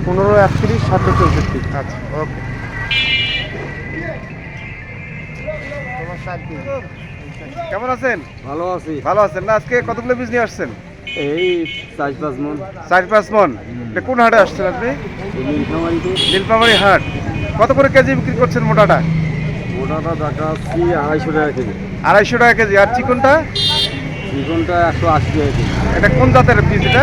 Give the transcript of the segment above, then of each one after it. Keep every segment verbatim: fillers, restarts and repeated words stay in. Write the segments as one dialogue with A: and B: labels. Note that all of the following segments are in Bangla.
A: পনেরো একত্রিশ সাতশো চৌষট্টি।
B: আচ্ছা, ওকে। কেমন আছেন?
A: ভালো আছি।
B: ভালো আছেন না? আজকে কতগুলো বীজ নিয়ে আসছেন?
A: এই চার পাঁচ মন।
B: চার পাঁচ মন। এটা কোন হাটে আসছেন আপনি?
A: নীলফামারিতে।
B: নীলফামারী হাট। কত করে কেজি বিক্রি করছেন মোটাটা?
A: মোটাটা টাকা আশি আড়াইশো টাকা কেজি।
B: আড়াইশো টাকা কেজি। আর চিকনটা?
A: চিকনটা একশো আশি টাকা কেজি।
B: এটা কোন জাতের বীজ এটা?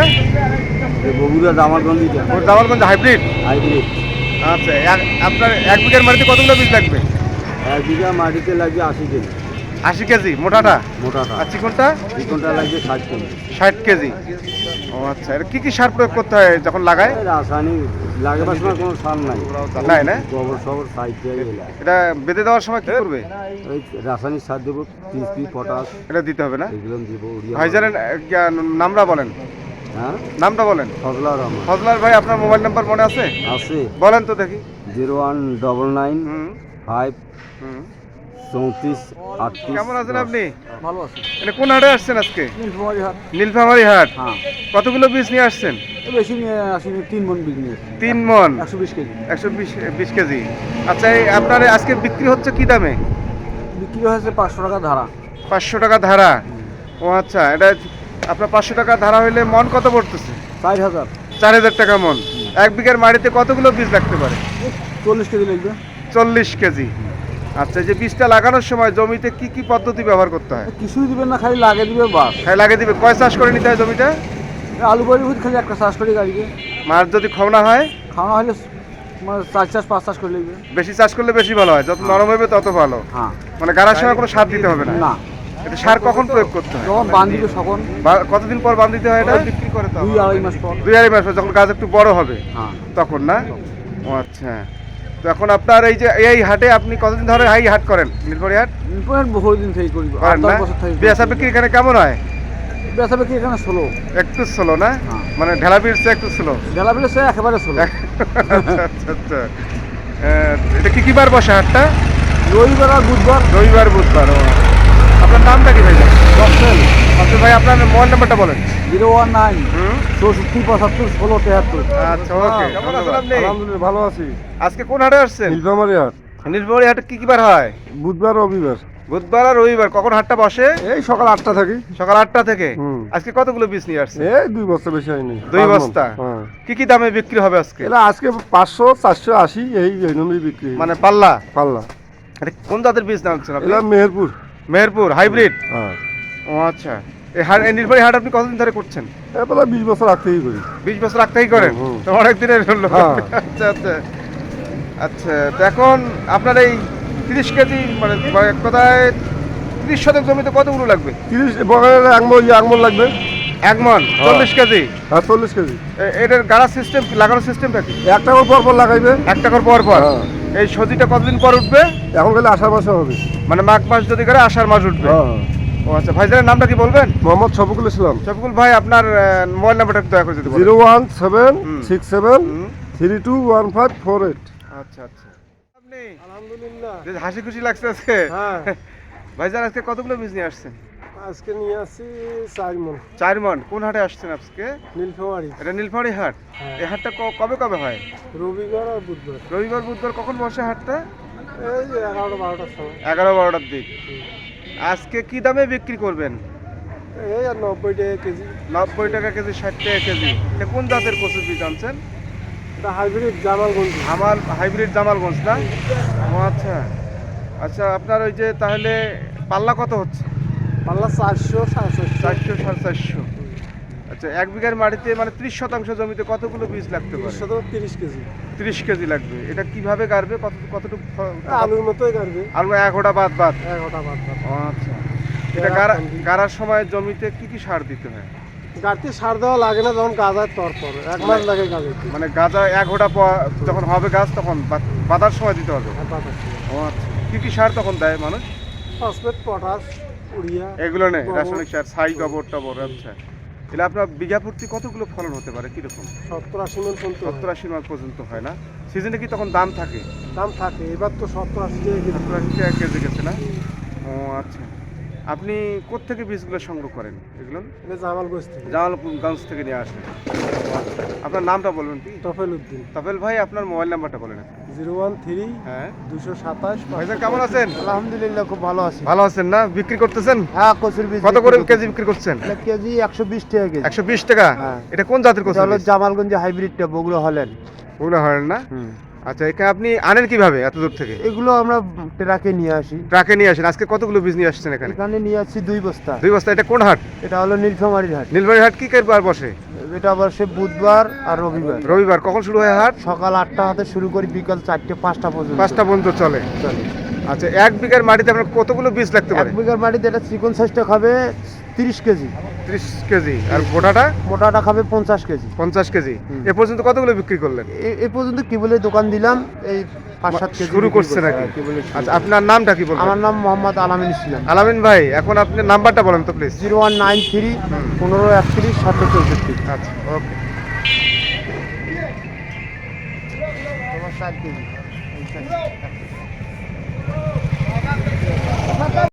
A: বগুড়া জামালগঞ্জিটা।
B: ওর জামালগঞ্জ হাইব্রিড।
A: হাইব্রিড।
B: আচ্ছা, এক- আপনার এক বিঘার মাটিতে কতগুলো বীজ লাগবে?
A: এক বিঘা মাটিতে লাগবে আশি কেজি
B: আশি কেজি মোটাটা।
A: মোটাটা।
B: আর চিকনটা?
A: চিকনটা লাগবে ষাট কেজি।
B: ষাট কেজি। ও আচ্ছা, এটা কি কি সার প্রয়োগ করতে হয় যখন লাগায়?
A: এই রাসায়নিক লাগাবার সময় কোনো সার নাই।
B: নাই না?
A: গোবর সবর সাইড দিয়ে এলা।
B: এটা বেঁধে দেওয়ার সময় কি করবে?
A: ওই রাসায়নিক সার দেবো, টিএসপি পটাশ
B: এটা দিতে হবে না?
A: এগুলো দেবো। উড়িয়া
B: ভাইজানের আহ, নামটা বলেন।
A: হ্যাঁ,
B: নামটা বলেন।
A: ফজলা রহমান
B: ফজলার ভাই, আপনার মোবাইল নাম্বার মনে আছে?
A: আছে।
B: বলেন তো দেখি।
A: Zero one double nine
B: hmm
A: five
B: hmm.
A: চৌত্রিশ আটত্রিশ।
B: কেমন আছেন আপনি?
A: ভালো আছি।
B: এটা কোন হাটে আসছেন আজকে?
A: নীলফামারী হাট।
B: নীলফামারী হাট।
A: হ্যাঁ,
B: কতগুলো বীজ নিয়ে আসছেন?
A: বেশি নিয়ে আসিনি, তিন মন বিজনেস।
B: তিন মন।
A: একশো বিশ কেজি
B: একশো বিশ বিশ কেজি। আচ্ছা, এই আপনার আজকে বিক্রি হচ্ছে কি দামে?
A: বিক্রি হয়েছে পাঁচশো টাকা ধারা।
B: পাঁচশো টাকা ধারা। ও আচ্ছা, এটা আপনার পাঁচশো টাকা ধারা হইলে মন কত পড়তেছে?
A: চার হাজার।
B: চার হাজার টাকা মন। এক বিঘার মাটিতে কতগুলো বীজ লাগতে পারে?
A: চল্লিশ কেজি লাগবে।
B: চল্লিশ কেজি। আচ্ছা, এই যে বীজটা লাগানোর সময় জমিতে কি কি পদ্ধতি ব্যবহার করতে হয়?
A: কিছুই দিবেন না, খালি লাগে দিবে বাস।
B: খাই লাগিয়ে দিবে। কয় চাষ করে নিতে হয় জমিটা?
A: আলু বাড়ি ভূত খালি একটা চাষ করে গাড়িকে।
B: মাছ যদি খওনা হয়?
A: খাওয়া হলে মানে চার চাষ পাঁচ চাষ করে লাগবে।
B: বেশি চাষ করলে বেশি ভালো হয়, যত নরম হবে তত ভালো।
A: হ্যাঁ,
B: মানে গাড়ার সময় কোনো সার দিতে হবে না।
A: না।
B: এটা সার কখন প্রয়োগ করতে হয়?
A: যখন বান দিবে তখন
B: বা- কতদিন পর বান দিতে হয় এটা? বিক্রি করে
A: দুই আড়াই মাস পর।
B: দুই আড়াই মাস পর, যখন গাছ একটু বড় হবে
A: হ্যাঁ,
B: তখন না? ও আচ্ছা। তো এখন আপনার এই যে এই হাটে আপনি কতদিন ধরে এই হাট করেন? নীলফামারী হাট
A: ইম্পোর্ট বহু দিন থেকে করি। আট
B: করেন
A: দশ
B: না?
A: বছর থেকে
B: বেচা বিক্রি এখানে কেমন হয়?
A: বেচা বিক্রি এখানে ষোলো।
B: একটু স্লো না?
A: হ্যাঁ।
B: মানে ঢেলা পিড়ছে একটু স্লো।
A: বেলা বেলা সে একেবারে ষোলো।
B: আচ্ছা আচ্ছা আচ্ছা। আহ, এটা কি কি বার বসে হাটটা?
A: রবিবার আর বুধবার।
B: রবিবার বুধবার। ও। আপনার নামটা কি ভাই?
A: দশেল
B: আচ্ছা ভাই, আপনার মোবাইল নাম্বারটা বলেন।
A: Zero one nine
B: hmm.
A: চৌষট্টি পঁচাত্তর ষোলো তেহাত্তর।
B: আচ্ছা, ওকে। কেমন আছেন আপনি?
C: আলহামদুলিল্লাহ ভালো আছি।
B: আজকে কোন হাটে আসছেন?
C: নীলফামারী হাট
B: নীলফামারী হাটে কি কি বার হয়?
C: বুধবার রবিবার।
B: বুধবার আর রবিবার। কখন হাটটা বসে?
C: এই সকাল আটটা থাকি।
B: সকাল আটটা থেকে।
C: হুম।
B: আজকে কতগুলো বীজ নিয়ে আসছেন?
C: এই দুই বস্তা বেশি হয়নি।
B: দুই
C: পাঁচ মণ।
B: বস্তা?
C: হ্যাঁ।
B: কি কি দামে বিক্রি হবে আজকে?
C: এরা আজকে পাঁচশো চারশো আশি এই এই নম্বরই বিক্রি হয়।
B: মানে পাল্লা?
C: পাল্লা।
B: এটা কোন জাতের বীজ নামছেন আপনি?
C: এরা মেহেরপুর।
B: মেহেরপুর হাইব্রিড।
C: হ্যাঁ,
B: ও আচ্ছা। এই হাট, এই নীলফামারী হাট আপনি কতদিন ধরে করছেন?
C: এবার বিশ বছর আগ থেকেই করি।
B: বিশ বছর আগ থেকেই করেন?
C: হুম, হুম।
B: তো অনেক দিনের হলো।
C: হ্যাঁ।
B: আচ্ছা আচ্ছা আচ্ছা। তো এখন আপনার এই তিরিশ কেজি মানে মানে এক কথায় তিরিশ শতক জমিতে কতগুলো লাগবে?
C: তিরিশ বগলের একমল একমল লাগবে।
B: এক মন চল্লিশ কেজি।
C: আর চল্লিশ কেজি।
B: এ- এটার গাড়া সিস্টেম, লাগানোর সিস্টেমটা কি?
C: একটা করে পর পর লাগাইবে।
B: এক টাকার পর পর?
C: হ্যাঁ।
B: এই সজিটা কতদিন পর উঠবে?
C: এখন গেলে আষাঢ় মাসে হবে।
B: মানে মাঘ মাস যদি করে আষাঢ় মাস উঠবে?
C: হ্যাঁ।
B: ও আচ্ছা। ভাইজানের নামটা কি বলবেন?
C: মোহাম্মদ শফিকুল ইসলাম।
B: শফিকুল ভাই, আপনার মোবাইল নাম্বারটা একটু দয়া করে যদি বলেন।
C: Zero one seven
B: hmm.
C: Six seven
B: hmm.
C: Three two one five four eight.
B: আচ্ছা আচ্ছা। আপনি
C: আলহামদুলিল্লাহ।
B: বেশ হাসি খুশি লাগছে আজকে।
C: হ্যাঁ,
B: ভাইজান আজকে কতগুলো বীজ নিয়ে আসছেন?
C: আজকে নিয়ে আসছি চার মন।
B: চার মন। কোন হাটে আসছেন আজকে?
C: নীলফামারী।
B: এটা নীলফামারী হাট।
C: হ্যাঁ।
B: এই হাটটা ক- কবে কবে হয়?
C: রবিবার আর বুধবার।
B: রবিবার বুধবার। কখন বসে হাটটা?
C: এই যে এগারোটা বারোটার সময়।
B: এগারো বারোটার দিক। আজকে কি দামে বিক্রি করবেন?
C: এই আর নব্বই টাকা কেজি।
B: নব্বই টাকা কেজি, ষাট টাকা কেজি। এটা কোন জাতের কচুর বীজ আনছেন?
C: এটা হাইব্রিড জামালগঞ্জ।
B: আমার হাইব্রিড জামালগঞ্জ না? ও আচ্ছা আচ্ছা। আপনার ওই যে তাহলে পাল্লা কত হচ্ছে?
C: পাল্লা চারশো সাড়ে চারশো।
B: চারশো সাড়ে চারশো। আচ্ছা, এক বিঘার মাটিতে মানে ত্রিশ শতাংশ জমিতে কতগুলো বীজ লাগতে পারে?
C: তিরিশশো তিরিশ কেজি।
B: ত্রিশ কেজি লাগবে। এটা কিভাবে গাড়বে? কত কতটুকু ফ-
C: আলুর মতোই কাটবে।
B: আলু এক ওটা বাদ বাদ?
C: এগারোটা বাদ বাদ।
B: ও আচ্ছা। এটা গাড়া গাড়ার সময় জমিতে কি কি সার দিতে হয়?
C: গাড়িতে সার দেওয়া লাগে না, যখন গাজার তর পরে এক মাস লাগে গাজাইতে।
B: মানে গাজা এক ওটা যখন হবে গাছ তখন বা- বাঁধার সময় দিতে হবে?
C: আর বাতাস দিয়ে।
B: ও আচ্ছা। কি কি সার তখন দেয় মানুষ?
C: ফসফেট, পটাশ, উড়িয়া
B: এগুলো নেই,
C: গোবর।
B: রাসায়নিক সার, ছাই, গোবর টবর। আচ্ছা। তাহলে আপনার বিঘা প্রতি কতগুলো ফলন হতে পারে? কিরকম?
C: সত্তর আশি মন পর্যন্ত হয়।
B: সত্তর আশি মাস পর্যন্ত হয় না? সিজনে কি তখন দাম থাকে?
C: দাম থাকে। এবার তো সত্তর আশি টাকা কেজি।
B: সত্তর আশি টাকা কেজি গেছে না? ও আচ্ছা। আপনি কোত্থেকে বীজগুলো সংগ্রহ করেন এগুলো?
C: এটা জামালগঞ্জ থেকে
B: জামালগঞ্জ থেকে নিয়ে আসেন। আপনার নামটা বলবেন কি?
C: তফেল উদ্দিন।
B: তাপেল ভাই, আপনার মোবাইল নাম্বারটা বলেন।
C: জিরো ওয়ান থ্রি
B: হ্যাঁ,
C: দুশো সাতাশ।
B: ভাইজান কেমন আছেন?
C: আলহামদুলিল্লাহ খুব ভালো আছি।
B: ভালো আছেন না? বিক্রি করতেছেন?
C: হ্যাঁ, কচুর বীজ
B: কত করে কেজি বিক্রি করছেন?
C: এটা কেজি একশো বিশ টাকা কেজি।
B: একশো বিশ টাকা।
C: হ্যাঁ।
B: এটা কোন জাতের
C: এটা
B: কচু?
C: হলো জামালগঞ্জে হাইব্রিডটা, বগুড়া হলেন।
B: ওগুলো হয় না? আচ্ছা, এখানে আপনি আনেন কিভাবে এত দূর থেকে?
C: এগুলো আমরা ট্রাকে নিয়ে আসি।
B: ট্রাকে নিয়ে আসেন। আজকে কতগুলো বীজ নিয়ে আসছেন এখানে?
C: এখানে নিয়ে আসছি দুই বস্তা।
B: দুই বস্তা। এটা কোন হাট?
C: এটা হলো নীলফামারীর হাট।
B: নীলবাড়ি হাট কি বার বসে?
C: এটা আবার সে বুধবার আর রবিবার।
B: রবিবার। কখন শুরু হয় হাট?
C: সকাল আটটা হাতে শুরু করি, বিকাল চারটে পাঁচটা পর্যন্ত।
B: পাঁচটা পর্যন্ত চলে।
C: চলে।
B: আচ্ছা, এক বিঘার মাটিতে আপনার কতগুলো বীজ লাগতে
C: এক
B: পারে?
C: বিঘার মাটিতে এটা চিকন সাইজটা খাবে তিরিশ কেজি,
B: ত্রিশ কেজি। আর গোটাটা?
C: মোটাটা খাবে পঞ্চাশ কেজি।
B: পঞ্চাশ কেজি।
C: হুম।
B: এ পর্যন্ত কতগুলো বিক্রি করলেন?
C: এ- এ পর্যন্ত কি বলে দোকান দিলাম, এই পাঁচ সাত কেজি
B: শুরু
C: বিক্রি
B: করছে
C: করছি।
B: নাকি?
C: হ্যাঁ, কি বলে শুরু।
B: আচ্ছা, আপনার নামটা কি বলবেন?
C: আমার নাম মোহাম্মদ আলামিন ইসলাম।
B: আলামিন ভাই, এখন আপনি নাম্বারটা বলেন তো please.
C: Zero one nine three পনেরো একত্রিশ সাতশো চৌষট্টি।
B: আচ্ছা, ওকে।
C: তোমার ষাট কেজি।